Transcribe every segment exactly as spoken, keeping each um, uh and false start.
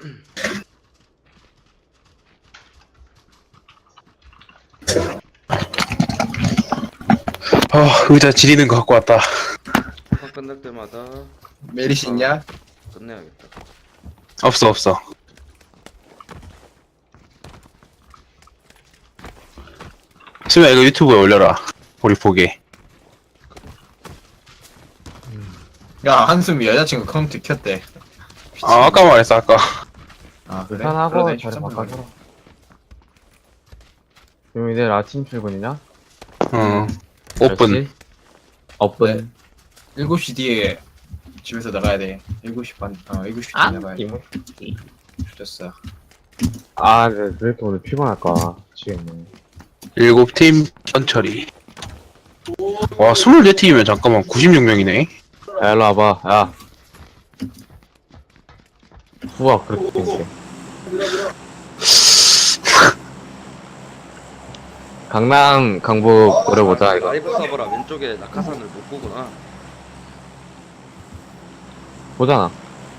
아, 의자 지리는 거 갖고 왔다. 화 끝날 때마다 메리시 있냐? 끝내야겠다. 없어, 없어. 수면 이거 유튜브에 올려라. 우리 보게. 야, 한숨이 여자친구 컴퓨터 켰대. 아, 아까 말했어, 아까. 아, 그래? 편하고 그러네, 자리 휴대폰 바꿔서. 지금 내일 아침 출근이냐? 응. 오픈. 오픈. 일곱 시 뒤에 집에서 나가야 돼. 일곱 시 반, 어, 일곱 시 뒤에 아, 나가야 돼. 이모. 좋았어. 아, 네, 왜 이렇게 오늘 피곤할까? 미치겠네. 일곱 팀 천처리. 와, 스물네 팀이면 잠깐만 구십육 명이네. 야, 일로 와봐, 야. 우와, 그렇게 생겼어. 강남, 강북 노려보자, 이거. 라이브 서버라 왼쪽에 낙하산을 못 보구나. 보잖아.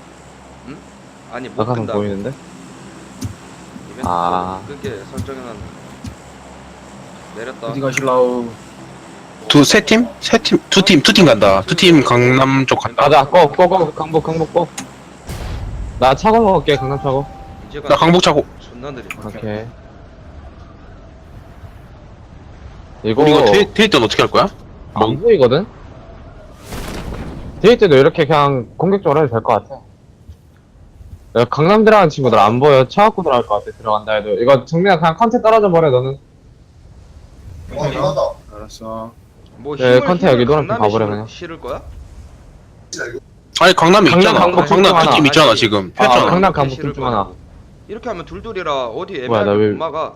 아니 못 낙하산 끈다고. 보이는데? 이벤트 아. 끄게 설정해놨네. 내렸다. 어디 가실라우? 두, 세 팀? 세 팀, 두 팀, 두 팀 간다. 두 팀 강남 쪽 간다. 가자, 고, 고, 고, 강북, 강북, 고. 나 차고 먹을게, 강남 차고. 이제가 나 강북 차고. 존나 느리. 오케이. 이거, 우리 이거 데이, 데이 때는 어떻게 할 거야? 안 보이거든? 데이 때도 이렇게 그냥 공격적으로 해도 될 것 같아. 야, 강남 들어가는 친구들 안 보여. 차 갖고 들어갈 것 같아, 들어간다 해도. 이거 정민아 그냥 컨테 떨어져 버려, 너는. 알았어. 뭐 네, 힘을 컨테 힘을 여기 노란색 강남에 가버려, 실을- 그냥. 실을 거야? 아니, 강남에 강남, 있잖아. 강북 강남 하나. 두 팀 있잖아, 아니, 지금. 아, 폈잖아. 강남, 이렇게 강북 실을 둘중 하나. 거라고. 이렇게 하면 둘둘이라 어디 뭐야, 애매하게 나 왜- 못 막아.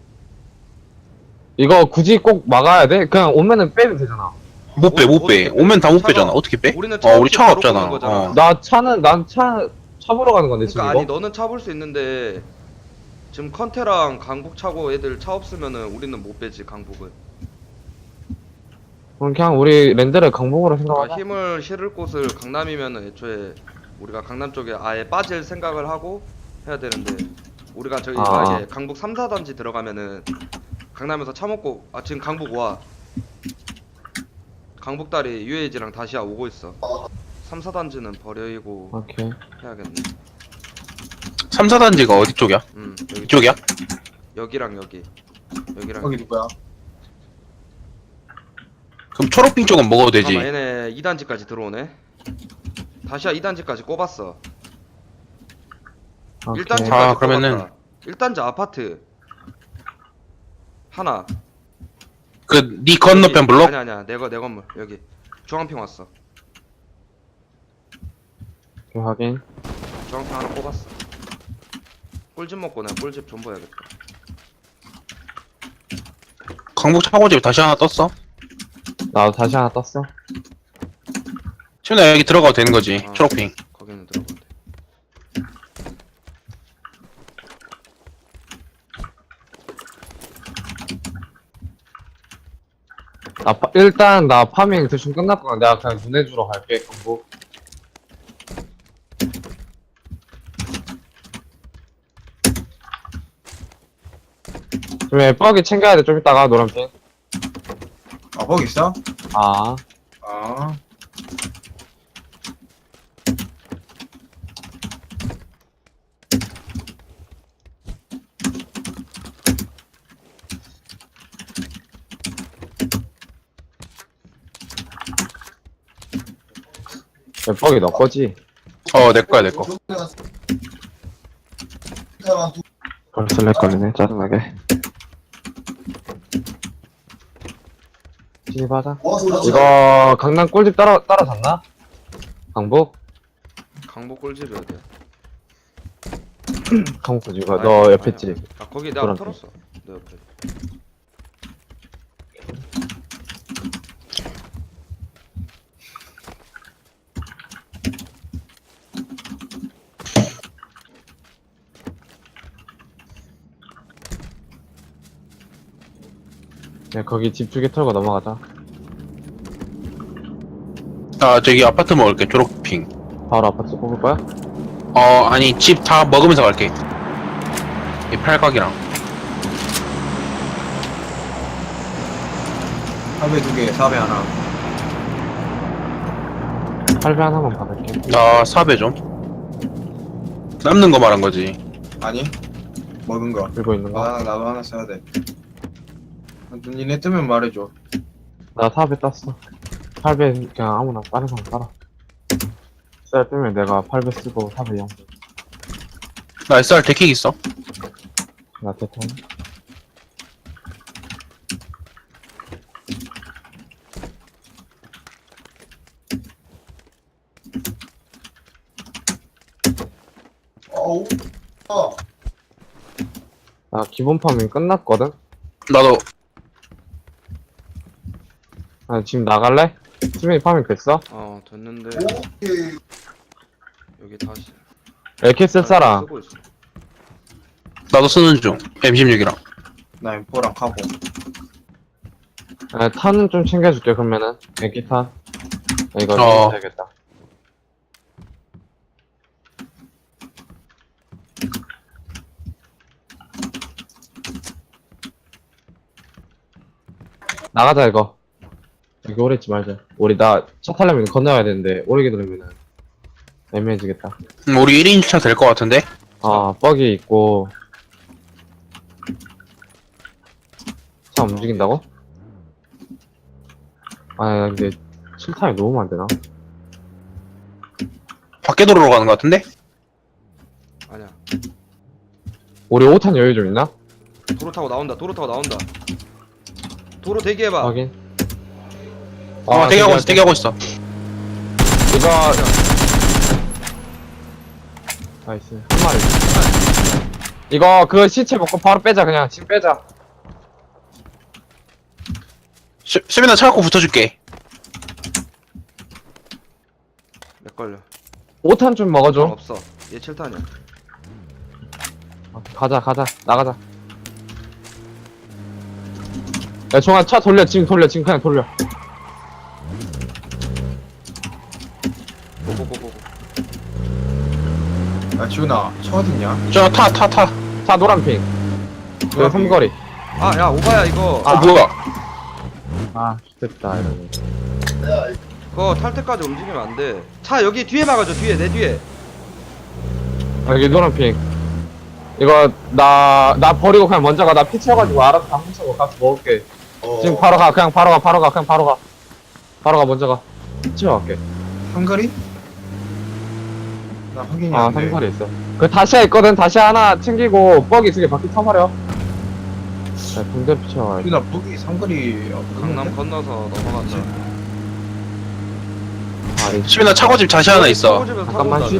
이거 굳이 꼭 막아야 돼? 그냥 오면은 빼도 되잖아. 못 빼, 못 빼. 오면 다 못 차가- 빼잖아. 어떻게 빼? 우리는 어, 차 우리 없이 차가 바로 없잖아. 끄는 거잖아. 어. 나 차는, 난 차, 차 보러 가는 건데, 지금 그러니까 아니 이거? 너는 차 볼 수 있는데 지금 컨테랑 강북 차고 애들 차 없으면은 우리는 못 빼지 강북은. 그럼 그냥 우리 랜드를 강북으로 그러니까 생각하자. 힘을 실을 곳을 강남이면은 애초에 우리가 강남 쪽에 아예 빠질 생각을 하고 해야 되는데 우리가 저기 아. 만약에 강북 삼, 사 단지 들어가면은 강남에서 차 먹고 아 지금 강북 와 강북다리 유에이지랑 다시야 오고 있어. 삼, 사 단지는 버려이고 오케이. 해야겠네. 삼, 사 단지가 어디 쪽이야? 음 여기 이쪽이야? 여기랑 여기 여기랑 거기 누구야? 그럼 초록빙 쪽은 먹어도 되지. 잠깐만 얘네 이 단지까지 들어오네. 다시야 이 단지까지 꼽았어. 오케이. 일 단지까지 아, 그러면은- 꼽았다. 일 단지 아파트 하나. 그, 니 건너편 블록? 아니 아니야 내 거 내 건물 여기 중앙평 왔어. 오케이, 확인. 중앙평 하나 꼽았어. 꿀집 먹고 내가 꿀집 좀 봐야겠다. 강북 차고집 다시 하나 떴어? 나도 다시 하나 떴어. 지훈아, 여기 들어가도 되는 거지. 아. 초록빙. 거기는 들어본대. 나 파, 일단 나 파밍 대충 끝났거나 내가 그냥 눈에 주러 갈게, 강북. 좀 뻐기 챙겨야 돼, 좀 이따가, 노란핑. 아, 거기 있어? 아. 아. 뻐기 너 거지? 어, 내 거야, 내 거. 벌써 렉 걸리네, 짜증나게. 진입하자. 이거, 강남 꿀집 따라, 따라잡나? 강북? 강북 꿀집이 어디야? 강북 꿀집, 이거 아니, 너 옆에 아니야. 집. 아 거기 내가 노란 털었어. 내 옆에. 야, 거기 집 두 개 털고 넘어가자. 아, 저기 아파트 먹을게, 초록빙. 바로 아파트 뽑을 거야? 어 아니 집 다 먹으면서 갈게. 이 팔각이랑. 팔배 두 개, 사배 하나. 팔배 하나만 받을게. 나 사배 좀. 남는 거 말한 거지. 아니, 먹은 거. 들고 있는 거. 아, 나도 하나 써야 돼. 니네 뜨면 말해줘. 나 사배 땄어. 팔배 그냥 아무나 다른 사람 따라. 쌀 뜨면 내가 팔배 쓰고 사배 영. 나 에스알 데킥 있어. 나 대통. 어우, 어. 나 기본 파밍 끝났거든? 나도 아, 지금 나갈래? 수민이 파밍 됐어? 어 됐는데 여기 다시 에이케이 쓸 사람. 쓰고 있어. 나도 쓰는 중. 엠 십육이랑. 나 엠포랑 카고. 아, 탄은 좀 챙겨줄게, 그러면은. 에이케이 탄. 아, 이거 어. 챙겨야겠다. 나가자, 이거. 여기 오래 있지 말자. 우리 나 차 타려면 건너야 되는데, 오래 기다리면은 애매해지겠다. 음, 우리 일 인차 될 것 같은데? 아, 뻑이 있고. 차 움직인다고? 아, 근데 칠 탄이 너무 안 되나? 밖에 도로로 가는 것 같은데? 아니야. 우리 오 탄 여유 좀 있나? 도로 타고 나온다. 도로 타고 나온다. 도로 대기해봐. 확인. 어, 대기하고 있어, 대기하고 있어. 이거. 나이스. 한 마리. 이거 그 시체 먹고 바로 빼자, 그냥. 지금 빼자. 시, 수빈아 차 갖고 붙어줄게. 몇 걸려? 오 탄 좀 먹어줘. 없어. 얘 칠 탄이야. 어, 가자, 가자. 나가자. 야, 종아, 차 돌려. 지금 돌려. 지금 그냥 돌려. 고고고고. 야, 지훈아, 차 어딨냐? 저 타, 타, 타. 차 노란핑. 그 노란핑. 삼거리. 아, 야, 오바야 이거. 아, 뭐야? 아, 됐다, 이러면. 그거 탈 때까지 움직이면 안 돼. 차 여기 뒤에 막아줘. 뒤에 내 뒤에. 아, 여기 노란핑. 이거, 나, 나 버리고 그냥 먼저 가. 나 피 채워가지고 알아서 다 훔쳐고 가서 먹을게. 지금 바로 가. 그냥 바로 가. 바로 가. 그냥 바로 가. 바로 가. 먼저 가. 피 채워갈게. 한거리? 나 확인이 아, 안 돼. 삼거리 있어. 그 다시아 있거든. 다시아 하나 챙기고, 뻑이 두 개 바퀴 타버려. 자, 붕대 피 채워가야지. 지훈아, 거기 삼거리 강남 건너서 넘어간다. 아, 이 수빈아 차고집 다시 하나 있어. 차고집에서 타고 잠깐만, 온다며.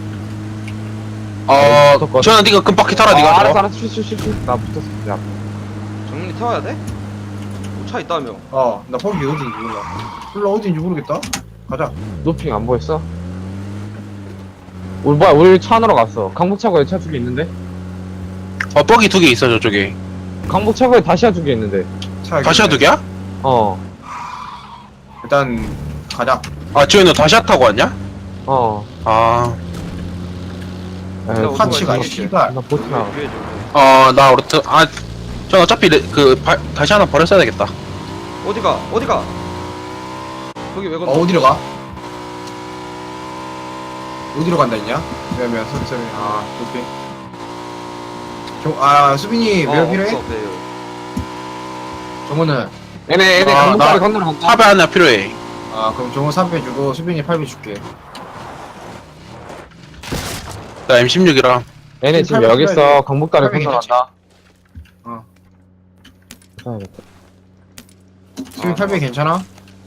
어, 붙었거든. 주현아 네가 금바퀴 타라, 아, 네가. 알았어, 저거. 알았어. 쉬, 쉬, 쉬, 쉬. 나 붙었어. 야, 정민이 태워야 돼? 뭐 차 있다며. 어, 나 거기 어딘지 몰라. 몰라, 어딘지 모르겠다. 가자. 노핑 안 보였어? 우리 뭐야, 우리 차 안으로 갔어. 강북차고에 차 두 개 있는데? 어, 뻑이 두 개 있어, 저쪽에. 강북차고에 다시아 두 개 있는데. 차 다시아 두 개야? 어, 일단, 가자. 아, 지현이 너 다시아 타고 왔냐? 어. 아, 에이, 오토바이 파치가, 타고 씨발. 나 보트나. 뒤에 좀. 어, 나 오르트, 아, 전 어차피 레, 그, 바, 다시 하나 버렸어야 되겠다. 어디가? 어디가? 거기 왜 건너? 어, 어디로 가? 어디로 간다 했냐? 왜냐면 수빈 아 수빈 종, 아 수빈이 어, 왜 필요해? 없어, 배율. 정호는 얘네, 얘네 아, 강북까지 나- 건너러 간다. 사배 하나 필요해. 아 그럼 정호 삼 배 주고 수빈이 팔 배 줄게. 나 엠 십육이랑. 얘네 지금 팔백 여기 있어. 필요해. 강북까지 팔백이 건너러 간다. 어. 사야겠다. 수빈 아, 팔 배 괜찮아?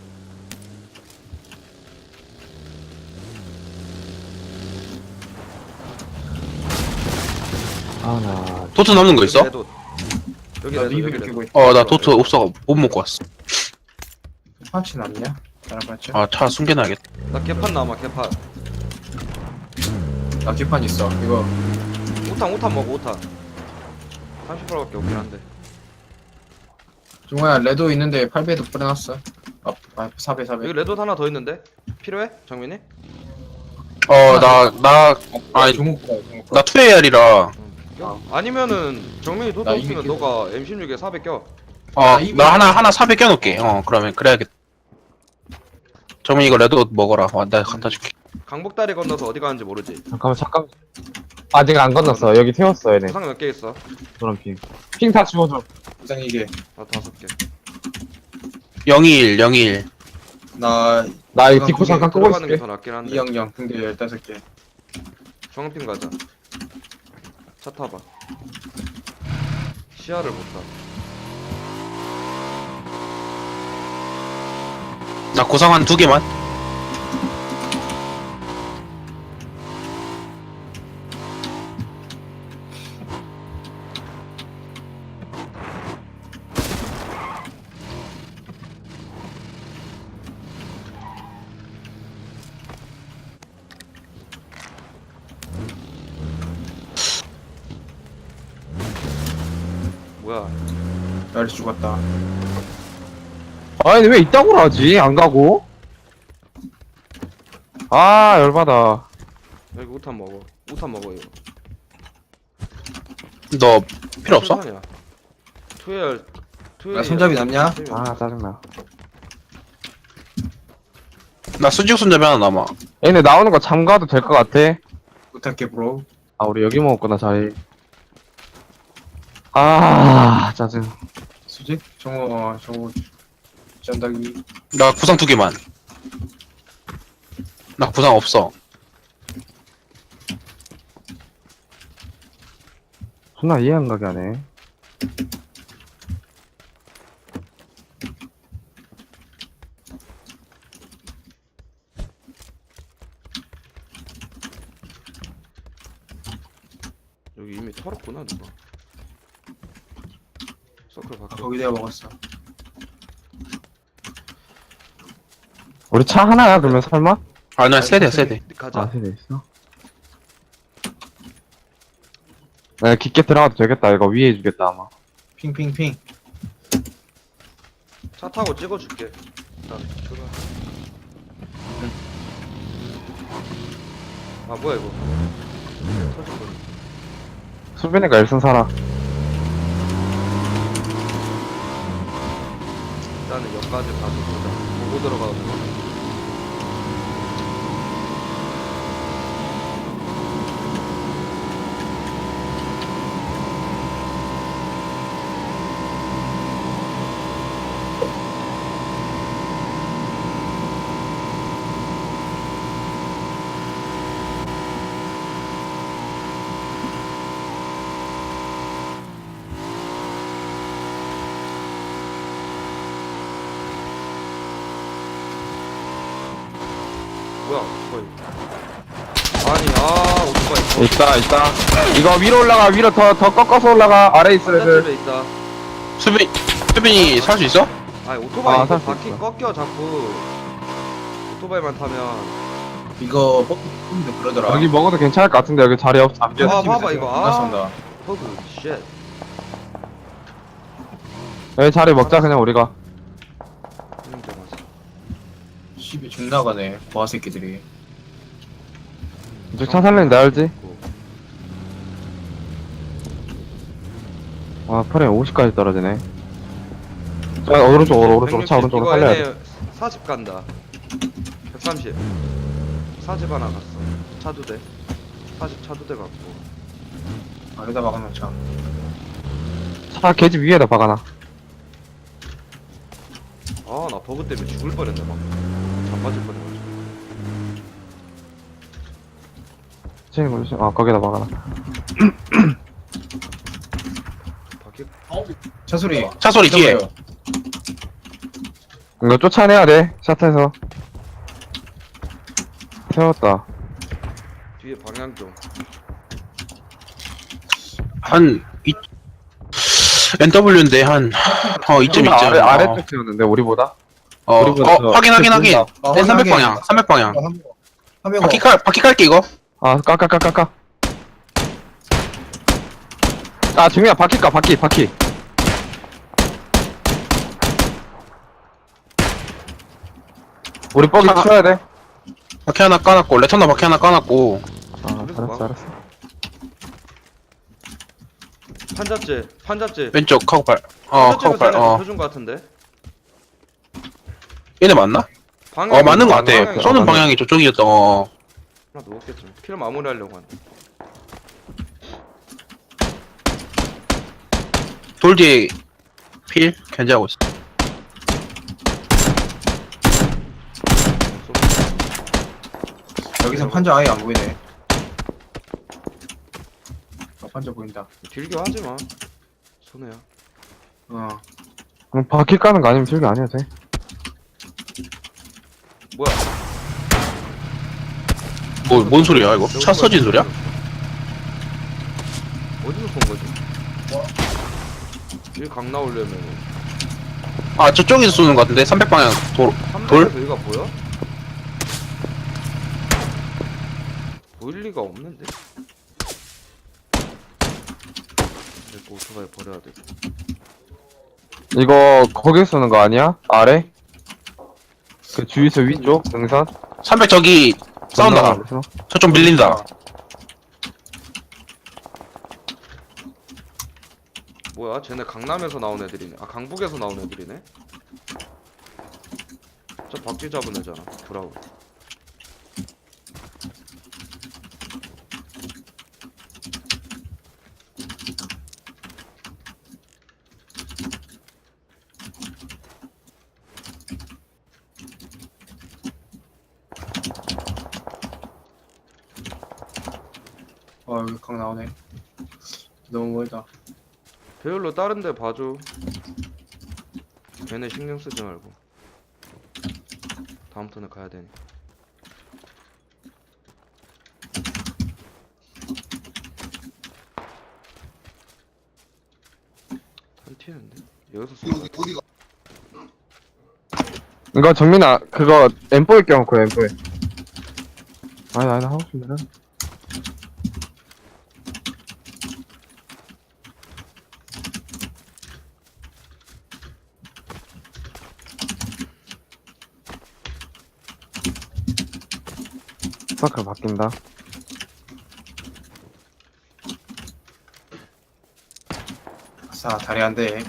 아, 나. 도트 남는 거 있어? 여기 레도. 여기 나 레도, 리뷰 여기 레도. 끼고 있. 어, 나 도트 없어. 못 먹고 왔어. 파츠 남냐? 다른 파츠? 아, 차 숨겨놔야겠다. 나 개판 남아, 개판. 나 기판 있어. 이거 오 탄, 오 탄 먹어, 오 탄. 삼십 퍼센트밖에 없긴 한데. 정호야 레도 있는데 팔 배도 뿌려놨어. 아, 아 사 배 사 배. 여기 레도 하나 더 있는데? 필요해? 정민이? 어, 나, 나, 아니, 중국보다 중국. 나 투에이알이라. 껴? 아니면은 정민이 도도 나 이미 없으면 끼고. 너가 엠 십육에 사백 껴. 어, 나 하나, 하나 사백 껴놓을게. 어, 그러면 그래야겠다. 정민 이거 레드옷 먹어라. 와, 내가 갖다 줄게. 강북다리 건너서 어디 가는지 모르지. 잠깐만 잠깐만 아직 안 건넜어 여기 태웠어 얘네 부상 몇 개 있어? 노란 핑핑 다 지워줘 부상 이게 나 다섯 개. 영이일, 영이일. 나 나 이 그럼 뒷구 그게 잠깐 끄고 들어가는 게 있을게 더 낫긴 한데. 이영영 근데 열다섯 개. 중앙핀 가자. 차 타봐. 시야를 못 봐. 나 구상 한 두 개만. 뭐야? 열이 죽었다. 아니 왜 이따구로 하지 안 가고 아 열받아 여기 우탄 먹어. 우탄 먹어 이거. 너 필요 없어? 투엘 투엘. 야, 손잡이 남냐? 아 짜증나 나 수직 손잡이 하나 남아. 얘네 나오는 거 잠가도 될 것 같아 부탁해 브로. 아 우리 여기 먹었구나 자리 아 짜증 수직? 정우 어 정우 전다기. 나 구상 두 개만. 나 구상 없어. 존나 이해 안 가게 하네 여기 이미 털었구나 누가. 서클 아, 바꿔. 거기 내가 먹었어. 우리 차 하나야 그러면 설마? 아, 나 세대, 세대. 가자. 아 세대 있어? 네 깊게 들어가도 되겠다 이거 위에 해주겠다 아마 핑핑핑. 차 타고 찍어줄게. 일단 출발. 아 뭐야 이거? 터질 뻔. 수빈이가 일선 살아 일단은 여기까지 가서 보자. 보고 들어가도 돼. 뭐야 거의. 아니 아 오토바이. 있다 있다 이거 위로 올라가 위로 더 더 꺾어서 올라가 아래 있어 애들 반대집에 있다. 수빈, 수빈이 살 수 있어? 아니 오토바이 아, 이거 살수 바퀴 있어. 꺾여 자꾸. 오토바이만 타면. 이거 뽑기 뽑는데 그러더라. 여기 먹어도 괜찮을 것 같은데 여기 자리 없어 안 아, 비어 봐봐, 이거. 아. 나선다. 허그 쉣. 여기 자리 먹자 그냥 우리가 힘들 맞아. 십이 중 나가네. 보아 새끼들이. 이쪽 차 살리는 데 알지? 아 프레임 오십까지 떨어지네 자 오른쪽으로 오른쪽으로 차 백육십. 오른쪽으로 이거 살려야 돼 얘네 사십 간다. 백삼십. 사십 하나 갔어. 차 두 대. 사십 차 두 대 갔고. 안에다 박아놓자. 차 계집 위에다 박아놔 아 나 버그 때문에 죽을 뻔했네 막. 자빠질 뻔해가지고. 체인 걸리지? 아 거기다 박아놔 바퀴. 차 소리. 차 소리 뒤에. 있어봐요. 이거 쫓아내야 돼 샷에서 세웠다 뒤에 방향 좀. 한, 이, 엔더블유인데 한, 어, 이쯤, 이쯤. 아래, 어, 아래쪽 세웠는데 우리보다? 어, 우리보다 어, 더- 확인, 확인, 더 확인. 보인다. 어, 내 삼백 확인하게. 방향, 삼백 방향. 어, 한 명. 한 명. 바퀴 깔, 바퀴 깔게, 이거. 아 까까까까까 아 중이야 바퀴 까 바퀴 바퀴 우리 뻑이 아. 쳐야 돼 바퀴 하나 까놨고 레턴더 바퀴 하나 까놨고 아 알았어 알았어. 판잡지 판잡지 왼쪽 카고팔 어 카고팔 어 해준 거 같은데. 얘네 맞나? 방향 어 맞는 거 같아 방향이- 쏘는 어, 방향이 저쪽이었다 어 하나 넣었겠지. 킬 마무리하려고 하네. 돌 뒤에 필 견제하고 있어 여기서 판자 아예 안 보이네. 어, 판자 보인다. 길게 하지 마. 손해야. 어. 그럼 바퀴 까는 거 아니면 저기 안 해도 돼. 뭐야? 뭐 뭔 소리야 이거? 차 써진 소리야? 어디서 쏜 거지? 길강 나오려면 아 저쪽에서 쏘는 거 같은데 삼백 방향 돌 돌? 삼백에서 여기가 보여? 보일 리가 없는데? 이거 오토바이 버려야 돼. 이거 거기 쏘는 거 아니야? 아래? 그 주유소 위쪽 등산? 삼백 저기 싸운다 건너가면서? 저쪽 밀린다 뭐야? 쟤네 강남에서 나온 애들이네. 아 강북에서 나온 애들이네. 저 박쥐 잡은 애잖아. 브라운. 어 여기 강 나오네. 너무 멀다. 배율로 다른 데 봐줘. 걔네 신경 쓰지 말고. 다음 턴에 가야 되니. 한 튀는데? 여기서 쏘는 거 이거 정민아 그거 엠포에 껴놓고 엠포에. 아니 아니 하고 싶은데. 스파클 바뀐다. 아싸 다리 한 대.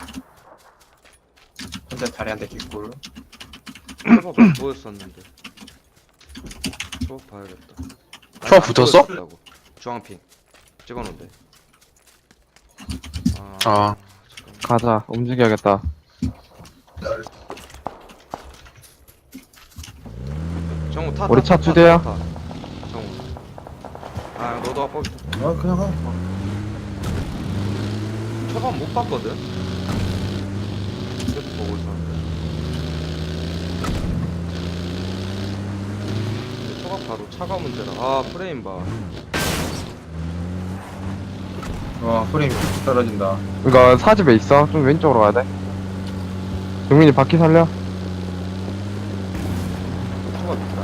혼자 다리 한 대 개꿀. 초밥 안 보였었는데. 초밥 봐야겠다. 아니, 초밥 안 붙었어? 보였었다고. 주황핑 찍어놓은데. 아, 아 잠깐만. 가자 움직여야겠다. 정우 타. 우리 타, 차 타, 두 대야? 타, 타. 정우. 아 너도 아빠 어 그냥 가. 초밥 못 봤거든. 계속 보고 있었는데. 근데 초밥 바로 차가 문제라. 아 프레임 봐. 와 프레임 떨어진다. 이거 사집에 있어. 좀 왼쪽으로 가야 돼. 정민이 바퀴 살려. 초밥 있다.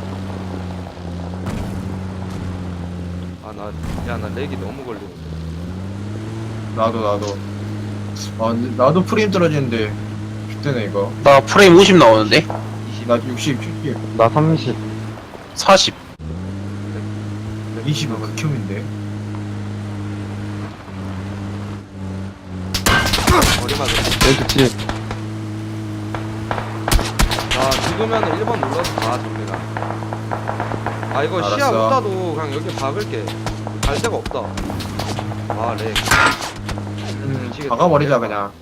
아나 야 나 렉이 너무 걸리는데. 나도 나도. 아 근데 나도 프레임 떨어지는데 죽대네 이거. 나 프레임 오십 나오는데 나 육십, 칠십, 나 삼십. 사십 이십은 극혐인데. 머리 맞아. 왼쪽 집. 나 죽으면 일 번 눌러서 가 정민아. 아 이거 시야 알았어. 없다도 그냥 여기 박을게. 갈 데가 없다. 아 렉. 음 미치겠다. 박아버리자 그냥.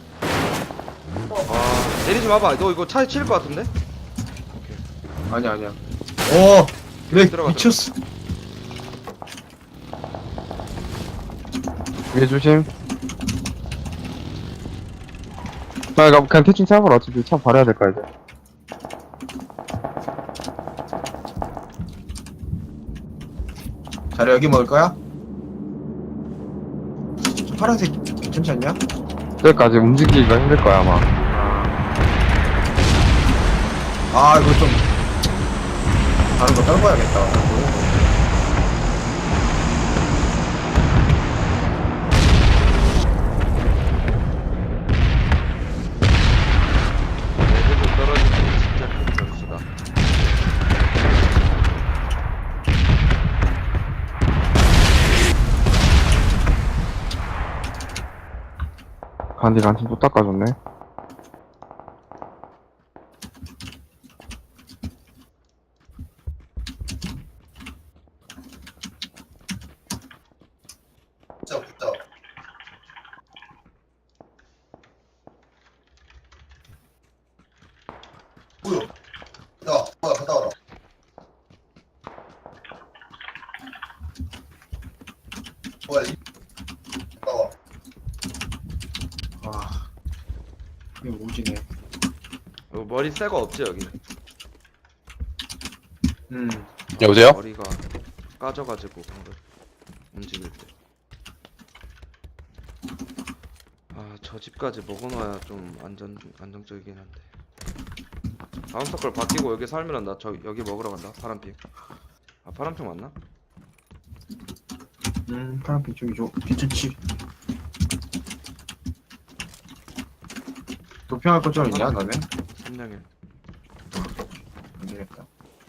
아 내리지 마봐. 너 이거 차에 치일 것 같은데? 아니야 아니야. 오 그래 들어가, 미쳤어. 위에 조심. 나 이거 그냥 대충 차버려. 어차피 차 버려야 될 거야 이제. 자리 여기 먹을 거야? 저 파란색 괜찮지 않냐? 저기까지 움직이기가 힘들 거야 아마. 아 이거 좀 다른 거 떨궈야겠다. 레벨이 떨어지는 게 진짜 큰 점수다. 간디 간팀 또 닦아줬네. 붙자 붙자. 뭐야? 야, 뭐야, 갔다 와라. 뭐야, 이 갔다 와. 아 이거 오지네. 여기 머리 새거 없지 여기? 음 여보세요? 머리가 까져가지고 방금 움직일 때. 아, 저 집까지 먹어놔야 좀 안전 안정적이긴 한데. 다음 서클 바뀌고 여기 살면은 나 저 여기 먹으러 간다. 파란핑. 아, 파란핑 맞나? 음 파란빛 쪽이 좀 괜찮지. 도평할 것 좀 있냐 너네? 삼량일. 안 되겠다.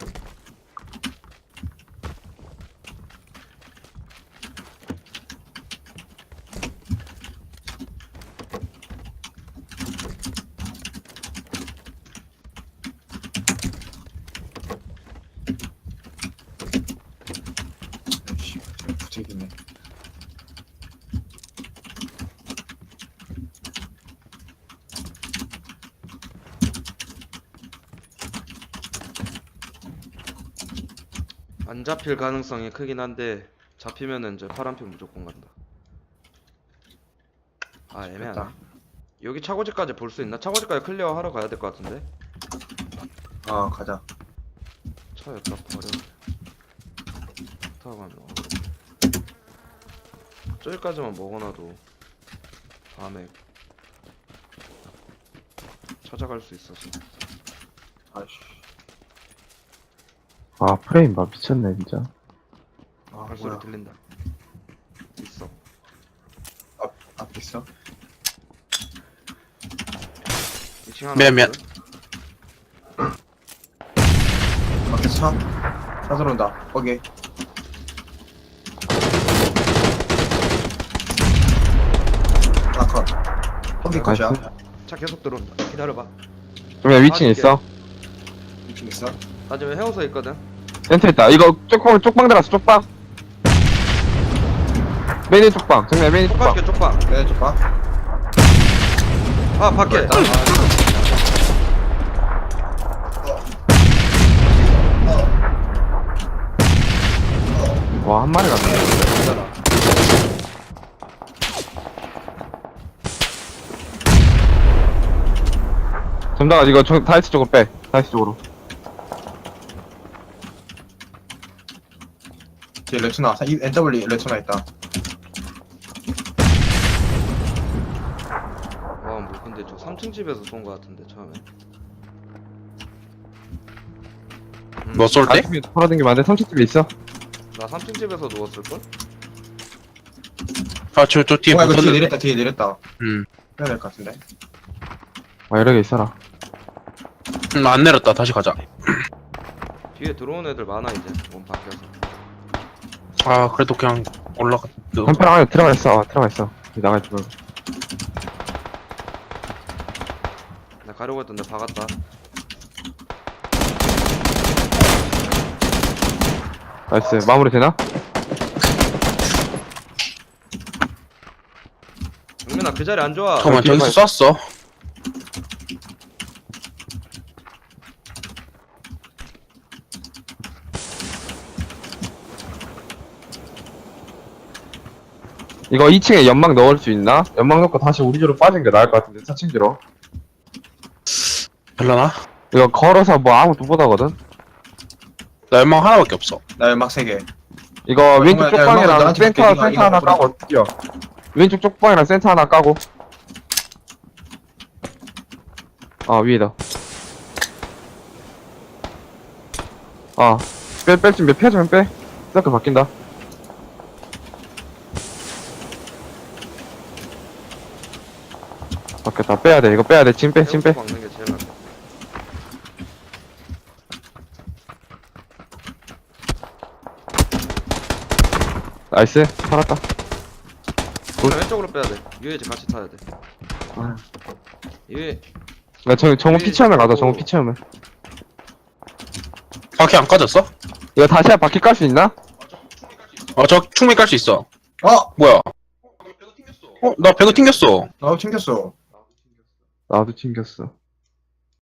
아이씨, 부책이네. 안 잡힐 가능성이 크긴 한데 잡히면은 이제 파란핑 무조건 간다. 아, 애매하네. 됐다. 여기 차고지까지 볼 수 있나? 차고지까지 클리어 하러 가야 될 것 같은데. 아 가자. 차 여기다 버려. 타고 가면 어그로. 저기까지만 먹어놔도 다음에 찾아갈 수 있어서. 아이씨. 아, 프레임 봐. 미쳤네, 진짜. 아 발소리 뭐야? 들린다. 있어. 앞 앞에 있어? 이 층 하나. 미안, 미안. 있거든? 밖에 차? 차 들어온다. 거기. 아 컷. 거기 컷이야. 나이스. 차 계속 들어온다. 기다려봐. 그러면 위층에 있어. 이층 있어? 나 지금 헤어서 있거든. 센터 있다. 이거 쪽방, 쪽방 들어왔어, 쪽방. 메인 쪽방. 정말 메인 쪽방. 쪽방게 쪽방. 네, 좀 봐. 아, 밖에. 됐다. 와, 한 마리 갔네. 괜찮아. 점다가 이거 저, 다이스 쪽으로 빼. 다이스 쪽으로. 뒤에 레츠나. 이 엔더블리 레츠나 있다. 와, 뭐 근데 저 삼 층 집에서 쏜 거 같은데 처음에. 음, 뭐 쏠 때? 다이스 돌아다니면 안 돼. 삼 층집에 있어. 나 삼 층 집에서 누웠을 걸? 아, 저, 저 뒤에 와 이거 뒤에 붙었는데. 내렸다. 뒤에 내렸다. 음. 해야 될 것 같은데. 아, 여러 개 있어라. 음, 안 내렸다. 다시 가자. 뒤에 들어온 애들 많아 이제. 몸 바뀌어서. 아, 그래도 그냥 올라가. 한패랑 안에 들어가 있어. 어, 들어가 있어. 나가 있지 말고. 나 가려고 했던데 박았다. 나이스. 마무리 되나? 영민아 그 자리 안 좋아. 잠깐만, 뒤에 저기서 쐈어. 이거 이 층에 연막 넣을 수 있나? 연막 넣고 다시 우리 집으로 빠진 게 나을 것 같은데, 사 층 뒤로. 별로나? 이거 걸어서 뭐 아무도 못 하거든? 나 연막 하나밖에 없어. 나 연막 세 개. 이거 왼쪽 정말, 야, 쪽방이랑 나한테 센터, 맡겨, 이거, 센터 이거 하나 보내. 까고 뛰어. 왼쪽 쪽방이랑 센터 하나 까고. 아, 위에다. 아, 빼, 뺄 준비, 피하자면 빼. 스나크 바뀐다. 바뀌었다. 빼야 돼. 이거 빼야 돼. 짐 빼, 짐 빼. 막는 게 제일 낫다. 나이스. 살았다. 그냥 왼쪽으로 빼야 돼. 유해지 같이 타야 돼. 이게 야, 정, 정우 피치하면 가자, 정우 피치하면. 바퀴 안 까졌어? 이거 다시 한 바퀴 깔 수 있나? 어, 저 충분히 깔 수 있어. 어! 뭐야? 어, 나 배그 튕겼어. 나도 챙겼어. 나도 튕겼어.